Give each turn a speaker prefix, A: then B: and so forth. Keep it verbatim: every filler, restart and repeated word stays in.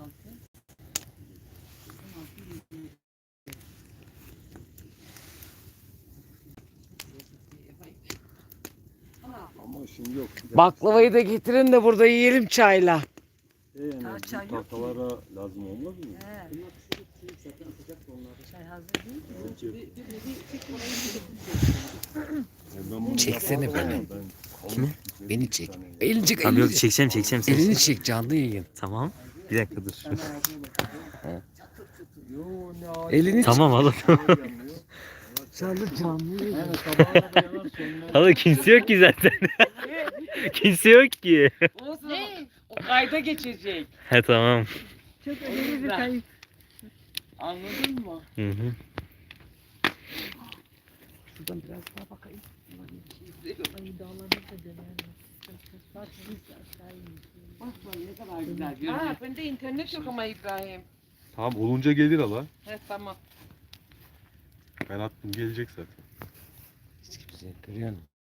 A: Ama şimdi yok.
B: Baklavayı da getirin de burada yiyelim çayla.
A: E yani
C: Daha çay
A: bu
C: yok
A: tahtalara lazım olmaz mı?
C: He. Çay hazır değil mi?
A: E ben bunu
B: Çeksene
A: yapamam.
B: beni.
A: Ben
B: Kimi?
A: kalın-
B: Beni çek. Elini çek.
D: Tamam
B: Elini
D: yok
B: çek.
D: çekeceğim çekeceğim seni.
B: Elini çek canlı yayın.
D: Tamam. Bir dakika dur.
A: Yo, ne ağacı-
B: Elini
D: Tamam hala.
B: Canlı canlı yayın.
A: Yani sabaha kadar yanar sönmez.
D: Hala kimse yok ki zaten. Kimse yok ki.
B: Olsun. O kayda geçecek.
D: He tamam.
C: Çok önemli bir kayıp.
B: Anladın mı?
D: Hı hı.
B: Şuradan biraz daha bakayım.
C: Ay dağlarda da döner. Bak biz aşağı iniyoruz.
B: Bak bak ne kadar güzel görünüyor. Ha bende internet yok ama İbrahim.
A: Tamam olunca gelir hala.
B: He tamam.
A: Ben attım gelecek zaten.
B: Hiç kimse görüyor musun?